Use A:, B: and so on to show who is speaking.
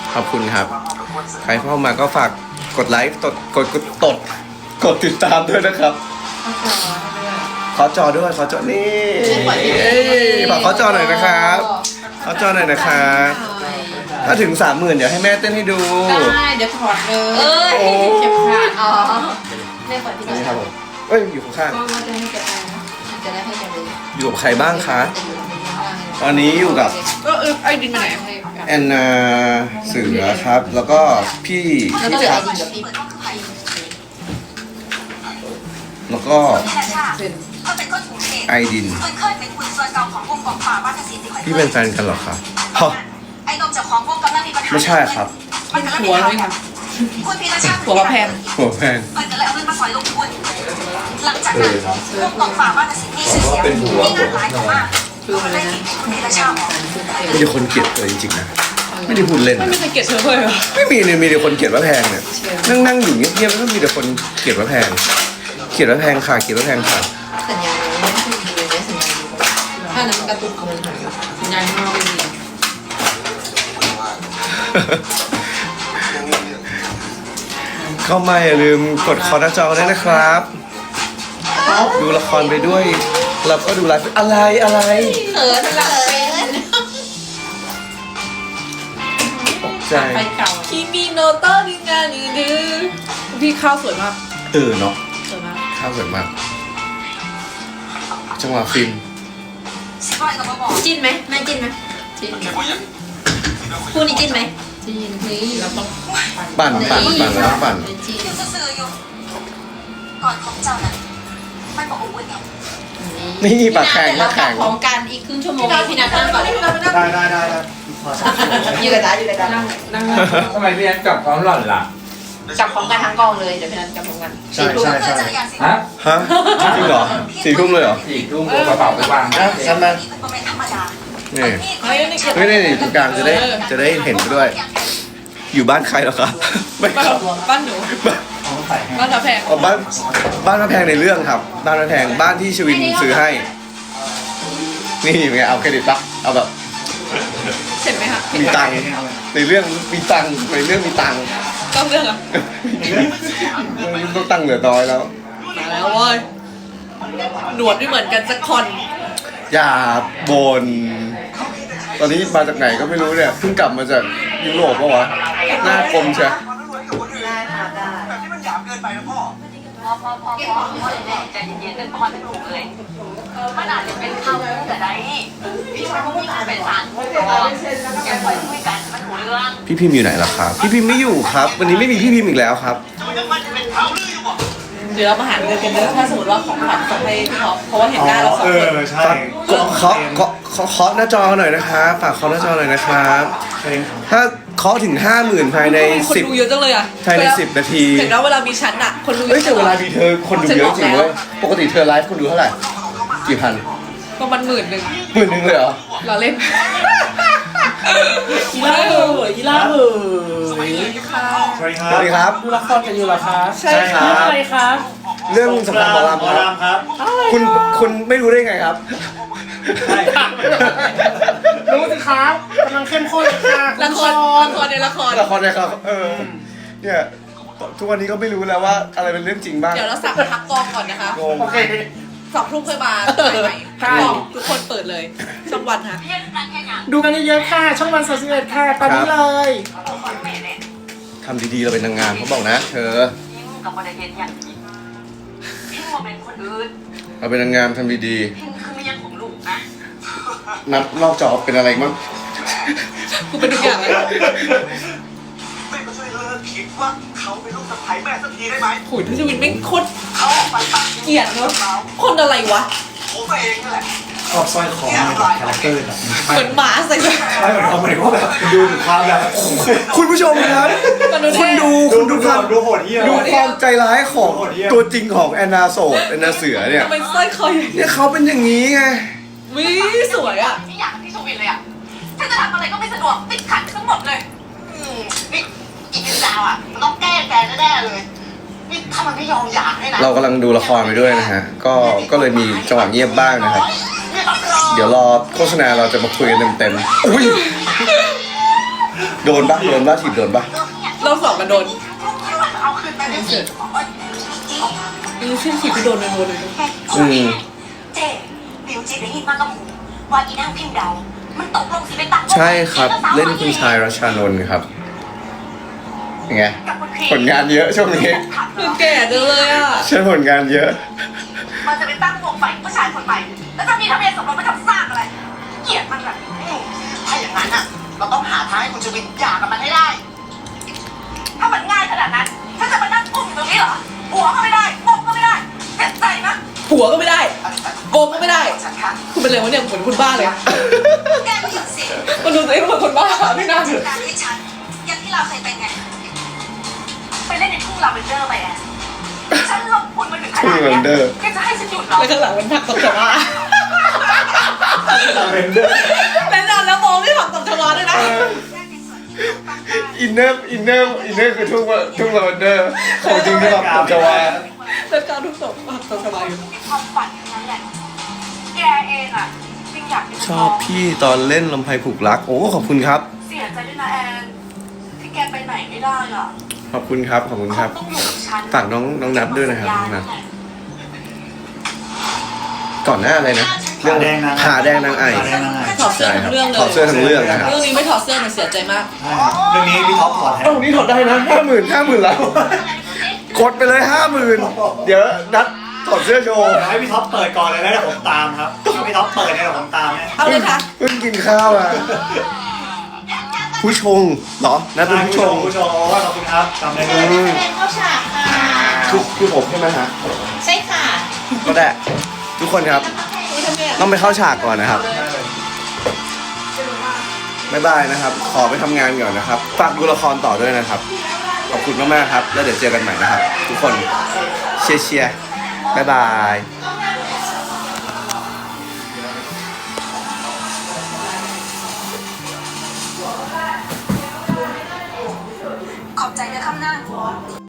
A: ขอบคุณครับใครเข้ามาก็ฝากกดไลค์กดติดตามด้วยนะครับขอจอด้วยขอจอนี่ฝากขอจอหน่อยนะครับขอจอหน่อยนะครับถ้าถึง 30,000เดี๋ยวให้แม่เต้นให้ดู
B: ได้เดี๋ยวถอดเลยเจ็บขาอ๋อแม่เปิดที่
A: นี่
B: นี่
A: ครับผมเอ้ยอยู่ข้าง
B: ก็จะให้แกไปนะจะได้ให้แกเลย
A: ๆอยู่กับใครบ้างคะตอนนี้อยู่กับ
B: ก็ไอ้ดินมาไหน
A: แอนนาเสือครับ แล้วก็พี่
B: แล้วก็เหลือไอ้ดินกับพี่
A: แล้วก็
B: เป็น
A: ไอดินพี่เป็นแฟนกันเหรอครับฮะไม่ใช่ครับ
B: หัวเลยค่ะหัวแพง
A: หัวแพง
C: หลังจากนั้นพวกกองฝ่าบ้านสิทธิ์มีชื่อเสียงมีงานหลายมาก
B: คืออะไรนะ
C: คุณพีรชาติ
A: มีแต่คนเกลียดเธอจริงๆนะไม่ได้พูดเล่น
B: ไม่
A: นะ
B: มีใครเกลียดเธอเลยเหรอ
A: ไม่มีเลยมีแต่คนเกลียดว่าแพงเนี่ยนั่งอยู่เงียบๆแล้วก็มีแต่คนเกลียดว่าแพงเกลียดว่าแพงค่ะเกลียดว่าแพงค่ะ
B: สัญญาณไม่ดีเลยนะสัญญาณถ้านั้นกระตุกมันหายสัญญาณข้างนอกไม่ดี
A: เข้ามาอย่าลืมกดคอหน้าจอด้วยนะครับ ดูละครไปด้วยแล้วก็ดูไลฟ์อะไร
B: เออนั่นแหละเป็น
A: ตกใจ
B: ไปเก่าคิมิโนโตะดิงานีดื้อพี่ข้าวสวยมาก
A: เนาะ
B: สวยมาก
A: ข้าวสวยมากจังหวะฟิน
C: จิ้นไหมแม่จิ้นไหม
B: จริง
C: คู่นี้จิ้นไหม
B: จริงนี่เราต้อง
A: ปั่นแล้วก็ปั่น
B: จริง
C: ยังซื่อๆอยู่ก่อนของเจ้านั้นไม่บอกอาวุธไง
A: นี่ปากแข็ง
B: เรา
A: ปาก
B: ขั
A: แข็
B: บ
A: ง
B: พร้อมกันอีกครึ่งชั่วโมงพี่นัทนั่งก่อน
D: ได้
B: อยู่กับตาอยู่กับตานั่ง
D: ทำไมพี่แอนกลับพร้อมหล่อนล่ะ
B: จับพร้อมกันทั้งกองเลยเดี๋ยวพี่นัทจับพร้อมกัน
D: ใช่ใช่
C: เพื่อ
D: ใช่
C: จักรยานสิ
D: ฮะ
A: ฮะจริงเหรอ4 ทุ่มเลยเหรอ
D: 4 ทุ่มกระเป๋าไปวางนะ
A: ฉันมา
C: นี่เป็นธรรมดา
A: นี่
B: เฮ้ยนี่
A: เฮ้ยนี่ตรงกลางจะได้เห็นไปด้วย อยู่บ้านใครเหรอครับไม่ครับ
B: บ้านหนูบ้านเราแพง
A: อ๋อบ้านพระแพงในเรื่องครับบ้านพระแพงบ้านที่ชวินซื้อให้ นี่เป็นไงเอาเครดิตปะเอาแบบ
B: เห็นไหมคะ
A: มีตังค์ในเรื่องมีตังค์ในเรื่องมีตังค์
B: ต้องเรื่องอ่ะ
A: ต้องตังค์เหลือน้อยแล้ว
B: มาแล้วเว้ยหนวดไม่เหมือนกันสักคน
A: อย่าบ่นตอนนี้มาจากไหนก็ไม่รู้เนี่ยเพิ่งกลับมาจากยุโรปปะวะหน้ากลมใช่
C: พอใจเย็นๆเป็นพรให้ลูกเลยมันอาจจะเป็นเขาแต่ใดพี่ชายเขาไม่เป็นสารอย่าปล่อยคุยกันมันหูเรื่อง
A: พี่พิมพ์อยู่ไหนล่ะครับพี่พิมพ์ไม่อยู่ครับ วันนี้ไม่มีพี่พิมพ์อีกแล้วครับ
B: เดี๋ยวเรามาหาเงินกันเยอะถ้าสมมติว่าของขวัญส่งให้พี่ท็อปเพราะว่าเห็นหน้าเราสองคน
D: ใช่
A: เคาะหน้าจอหน่อยนะครับฝากเคาะหน้าจอหน่อยนะครับ ถ้าเคาะถึง 50,000 ภายใน
B: คนดูเยอะจังเลยอ่ะ
A: 10ภายใน10 นาที
B: เห็นว่าเวลามีชั้นอ่ะคนดูเย
A: เฮ้ย
B: อะ
A: แต่เวลามีเธอคนดูเยอะจริงเว้ยปกติเธอไลฟ์คนดูเท่าไหร่กี่พัน
B: ประมาณ10,000
A: 10,000เลยเหรอ
B: เราเล่น
E: กีฬาเหยกีฬาเหย
B: ค่ะ
D: สวัสดีค
A: ส
D: รับ
A: วัสดีครับ
E: ดูละครกันอยู่เหรอคะ
B: ใช่ค่ะ
E: เรื่องอะไรคะ
A: เรื่องสำคัญของเราครับ
D: ครับ
A: คุณไม่รู้ได้ไงครับ
D: ใช่
E: รู้สิครับกำลังเข้มข้นค่ะ
B: ละครในละคร
A: ละครนะครับเนี่ยทุกวันนี้ก็ไม่รู้แล้วว่าอะไรเป็นเรื่องจริงบ้าง
B: เดี๋ยวเราสั่งพักกองก่อนนะคะ
A: งง
E: โอเค
B: 2 ทุ่มค่อยมาใหม่พักกองทุกคนเปิดเลยช่องวันค่ะ
E: ดูกันเยอะๆค่ะ ช่องวัน31ค่ะ ตอนนี้เลย
A: ทำดีๆเราเป็นนางงามเขาบอกนะ เธอ
C: พิงกับประเด็นอย่างนี้พิงว่าเป็นคนอื่น
A: เราเป็นนางงามทำดี
C: พิงคือไม่ยังของลูกนะ
A: ๆนับนอกจอเป็นอะไรมั้ง
B: กูเป็นทุกอย่างเลย
F: แม่ก็ช่วยเลิกคิดว่าเขาเป็นลูกสะใภ้แม่สักทีได้ไหม
B: โหยพี่ชวินไม่งโคตร
F: เขาออกไปตั้ง
B: เกลียดเนอะคนอะไรวะ
F: ผมเองนั่นแหละ
D: ชอบสร้อยคอในแบบคาแรคเตอร์แบบ
B: เหมือนหมาใส่เลย
D: ใช่เหมือนเขาหมายถึงว่าแบบดูถึงความแบบ
A: คุณผู้ชมครับ
B: มันดู
A: คุณ
B: เท่
A: คุณดูความ
D: ดูโหดเหี้ย
A: ดูความใจร้ายของ
D: โหดเหี้ยม
A: ตัวจริงของแอนนาโสดแอนนาเสือเนี่ย
B: ทำไมสร้อยคอใหญ่
A: เนี่ยเขาเป็นอย่างนี้ไง
B: วิสวยอ่ะ
C: ไม่อยากพี่ชวินเลยอ่ะถ้าจะทำอะไรก็ไม่สะดวกติดขัดทั้งหมดเลยนี่อีกนิดดาวอ่ะมันต้องแก้แกแน่ๆเลยนี่ถ้ามันไม่ยอมหย่าให้นะ
A: เรากำลังดูละครไปด้วยนะฮะ ก็เลยมีจังหวะเงียบบ้างนะครับ
C: เนี่ยรับรอง
A: เดี๋ยวรอโฆษณาเราจะมาคุยกันเต็มๆอุ้ยโดนปะถีบโดนปะ
B: เราสองกันโดน
C: เอาคืนไปไม่เสร็จ
B: นี่เส้นขีดที่โดนเลย
C: เจ๊บิวจีได้ยินมากกับหูว่าอีนางพิมพ์เดามันตกลงสิไปตั้ง
A: ใช่ครับ เล่นคุณชายรัชชานนท์ครับยังไงผลงานเยอะช่วงนี้
B: คือแก่จังเลยอ่ะ
A: ใช่ผลงานเยอะ
C: มันจะไปตั้งวงไฟผู้ชายคนใหม่แล้วจะมีทะเบียนสมรสมาทำสร้างอะไรเกลียดมันแบบถ้าอย่างนั้นอ่ะเราต้องหาทางให้คุณจะวินหย่ากับมันให้ได้ ถ้ามันง่ายขนาดนั้นฉันจะมานั่งกุ้มอยู่ตรงนี้เหรอหัวก็ไม่ได้มงก็ไม่ได้เจ็บใจนะ
B: ผัวก็ไม่ได้โกงก็ไม่ได้
C: ฉันค่ะ
B: คุณเป็นอะไรวะเนี่ยเหมือนคนบ้าเลย
C: แกไม่หยุดสิ
B: มันดูตัวเองเหมือนคนบ้าไม่น่าถือ
C: การที่ฉันอย่างที่เราเคยเป็นไงไปเล่นในทุ่งลาเวนเดอร์ไปอ่ะฉันลงทุนมาถึงขนาด
A: ทุ่งลาเวนเดอ
C: เนี้
A: ร์
C: ยแกจะให้ฉันหยุดเหรอ
B: แล้วข้างหลังมันผักตบชวา
D: ลาเวนเดอร์
B: แล้วนอนแล้วมองไม่ผักตบชวาด้วยนะ
A: อินเนอร์คือทุ่งลาเวนเดอร์ของจริงที่แบบตบจวา
B: แล้วการทุกตบผักตบชวาอยู่
C: มีความฝันอย่างนั้นแหละแกเองอ่ะจริงอยากเป็น
A: ชอบพี่ตอนเล่นลำไพผูกรักโอ้ขอบคุณครับ
C: เสียใจด้วยนะแอนที่แกไปไหนไม่ได้อ่ะ
A: ขอบคุณครับขอบคุณครับ
C: ต้องอยู่กับฉัน
A: ฝากน้องนับด้วยนะครับน้องนับก่อนหน้าอะไรนะเรื่องผาแดงนางไอ
D: ผาแดงนางไอ
B: ถอดเสื้อทั้งเรื่องเลย
A: ถอดเสื้อทั้งเรื่องนะครับ
B: เรื่องนี้ไม่ถอดเสื้อมันเสียใจมาก
D: ใช่ครับเรื่องนี้พี่ท็อปถอดแทน
A: ตรงนี้ถอดได้นะ50,000แล้วกดไปเลย50,000เดี๋ยวนัดถอดเสื้อโชว์
D: เดี๋ยวให้พี่ท็อปเปิดก่อนเลยแล้วเดี๋ยวผมตามครับถ้าพี่ท็อปเปิดเนี่ยเดี๋ยวผมตามนะ
B: เอาเลยค่ะ
A: เพิ่งกินข้าวมาผู้ชงเหรอนัดเป็นผู้ชง
D: ผู้ชมขอบคุณครับจำได้เล
A: อื
D: ย
A: ม
C: เป็นเข้าฉากค่ะ
A: คือผมใช่ไหมฮะ
C: ใช่ค่ะ
A: ก็ได้ทุกคนครับต้องไปเข้าฉากก่อนนะครับบ๊ายบายนะครับ ขอไปทำงานก่อนนะครับฝากดูละครต่อด้วยนะครับขอบคุณมากๆครับแล้วเดี๋ยวเจอกันใหม่นะครับ ทุกคนเชียร์บ๊ายบาย
C: ขอบใจนะคำหน้า